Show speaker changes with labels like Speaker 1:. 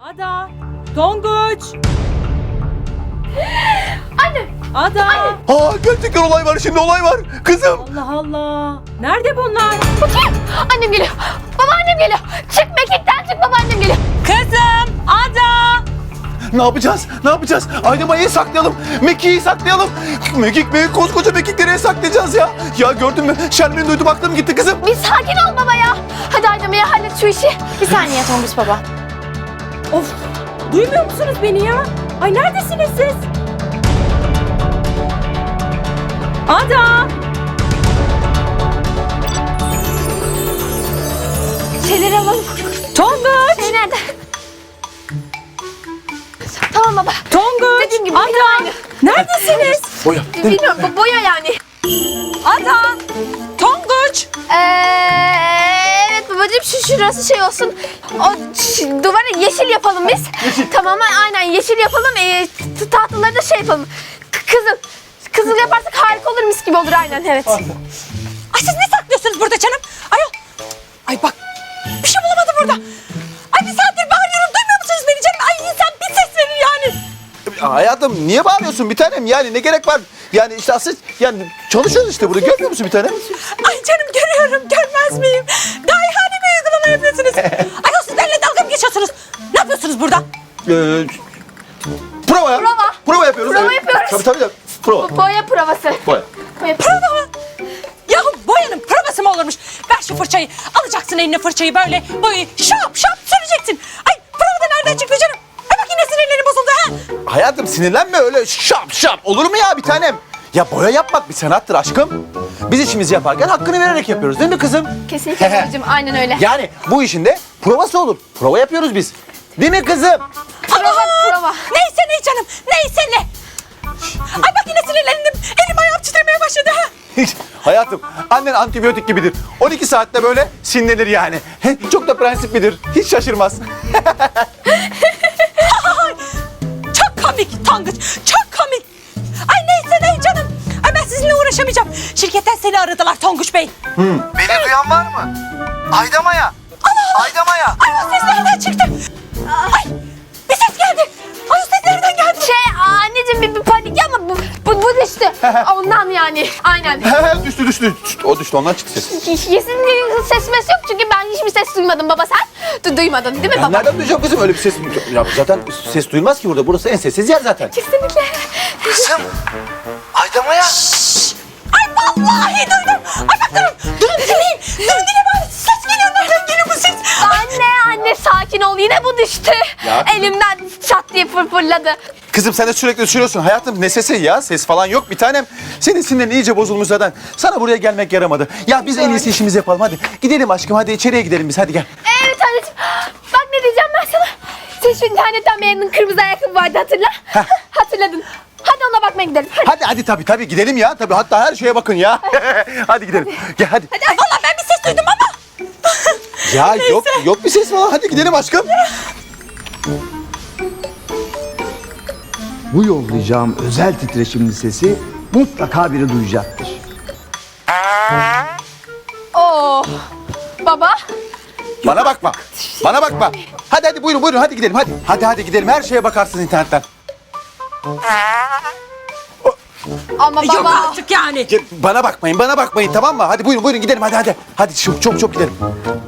Speaker 1: Ada! Tonguç!
Speaker 2: Anne!
Speaker 1: Ada!
Speaker 2: Anne!
Speaker 3: Gerçekten olay var, şimdi olay var. Kızım.
Speaker 1: Allah Allah! Nerede bunlar?
Speaker 2: Bakayım! Annem geliyor! Babaannem geliyor! Çık mekikten çık, babaannem geliyor!
Speaker 1: Kızım! Ada!
Speaker 3: Ne yapacağız? Ne yapacağız? Aynamayı saklayalım. Mekiği saklayalım. Mekik, koskoca Mekik nereye saklayacağız ya? Ya gördün mü? Şermin'i duydum, aklım gitti kızım.
Speaker 2: Bir sakin ol baba ya! Hadi anneme ya, hallet şu işi. Bir saniye Tonguç baba.
Speaker 1: Of! Duymuyor musunuz beni ya? Ay neredesiniz siz? Ada!
Speaker 2: Şeyleri alalım.
Speaker 1: Tonguç!
Speaker 2: Şey nerede? Tamam baba.
Speaker 1: Tonguç!
Speaker 2: Dediğim gibi
Speaker 1: Ada!
Speaker 2: aynı.
Speaker 1: Neredesiniz?
Speaker 3: Boya.
Speaker 2: Bilmiyorum, boya yani.
Speaker 1: Ada! Tonguç!
Speaker 2: Evet babacığım, şurası şey olsun. O duvarı yeşil yapalım biz. Tamam, aynen yeşil yapalım. Tahtaları da şey yapalım. Kızıl yaparsak harika olur, mis gibi olur, aynen, evet.
Speaker 1: Ay siz ne saklıyorsunuz burada canım? Ayol! Ay bak! Bir şey bulamadım burada. Ay bir saattir bağırıyorum, duymuyor musunuz beni canım? Ay insan bir ses verir yani.
Speaker 3: Hayatım niye bağırıyorsun bir tanem? Yani ne gerek var? Yani işte asıl yani çalışıyoruz işte burada, görmüyor musun bir tanem?
Speaker 1: Ay canım görüyorum, görmez miyim? Daha ihane bir uygulama yapıyorsunuz. Ayol siz benimle dalga mı geçiyorsunuz? Ne yapıyorsunuz burada?
Speaker 3: Prova ya.
Speaker 2: Prova.
Speaker 3: Prova yapıyoruz.
Speaker 2: Prova
Speaker 3: evet.
Speaker 2: yapıyoruz.
Speaker 3: Tabii. Prova.
Speaker 2: Boya provası.
Speaker 3: Boya.
Speaker 2: Boya
Speaker 1: Prova mı? Yahu boyanın provası mı olurmuş? Ver şu fırçayı. Alacaksın eline fırçayı böyle boyayı şap şap süreceksin. Ay prova da nereden çıktı canım? Ay bak yine sinirlerim bozuldu ha.
Speaker 3: Hayatım sinirlenme öyle şap olur mu ya bir tanem? Ya boya yapmak bir sanattır aşkım. Biz işimizi yaparken hakkını vererek yapıyoruz değil mi kızım?
Speaker 2: Kesinlikle babacığım, aynen öyle.
Speaker 3: Yani bu işin de provası olur. Prova yapıyoruz biz. Değil mi kızım?
Speaker 2: Prova.
Speaker 1: Neyse ne canım, neyse ne. Ay bak yine sinirlendim. Elim ayağım titremeye başladı ha.
Speaker 3: Hayatım annen antibiyotik gibidir. 12 saatte böyle sinirlenir yani. Çok da prensiplidir. Hiç şaşırmaz.
Speaker 1: Çok komik Tonguç, çok komik. Ay neyse ne canım. Ay ben sizinle uğraşamayacağım. Şirketten seni aradılar Tonguç Bey.
Speaker 4: Beni duyan var mı? Aydamaya. Aydamaya.
Speaker 1: Ay o ses nereden çıktı? Ay bir ses geldi. Ay o ses nereden geldi?
Speaker 2: Anneciğim bir panik ama bu düştü. Ondan yani, aynen.
Speaker 3: düştü. O düştü, ondan çıktı ses.
Speaker 2: Kesinlikle ses mes yok çünkü ben hiçbir ses duymadım baba, sen duymadın değil mi
Speaker 3: Ben
Speaker 2: baba?
Speaker 3: nereden duyacağım kızım öyle bir ses? Ya zaten ses duyulmaz ki burada. Burası en sessiz yer zaten.
Speaker 2: Kesinlikle.
Speaker 4: Kızım. Aydamaya.
Speaker 1: Ay vallahi duydum. Ay bak durun dinleyin. Durun dinle bari ses geliyor. Nereden geliyor bu ses?
Speaker 2: Anne sakin ol, yine bu düştü.
Speaker 3: Ya.
Speaker 2: Elimden çat diye fırladı.
Speaker 3: Kızım sen de sürekli düşürüyorsun. Hayatım ne sesi ya? Ses falan yok bir tanem. Senin sinirlerin iyice bozulmuş zaten. Sana buraya gelmek yaramadı. Ya biz en iyisi işimizi yapalım hadi. Gidelim aşkım, hadi içeriye gidelim biz, hadi gel.
Speaker 2: Evet anneciğim, bak ne diyeceğim ben sana. Sen şu internetten beğendiğin kırmızı ayakkabı vardı, hatırla. Hatırladın. Hadi ona bakmaya gidelim.
Speaker 3: Hadi tabii gidelim ya. Tabii hatta her şeye bakın ya. Hadi gidelim. Gel hadi.
Speaker 1: Ay vallahi ben bir ses duydum ama.
Speaker 3: Ya yok bir ses falan. Hadi gidelim aşkım.
Speaker 5: Bu yollayacağım özel titreşimli sesi mutlaka biri duyacaktır.
Speaker 2: Oo. Baba.
Speaker 3: Bana bakma. Hadi buyurun hadi gidelim hadi. Hadi gidelim, her şeye bakarsınız internetten.
Speaker 2: Ama
Speaker 1: Yok
Speaker 2: baba.
Speaker 1: artık yani.
Speaker 3: Bana bakmayın tamam mı? Hadi buyurun gidelim hadi. Hadi çok gidelim.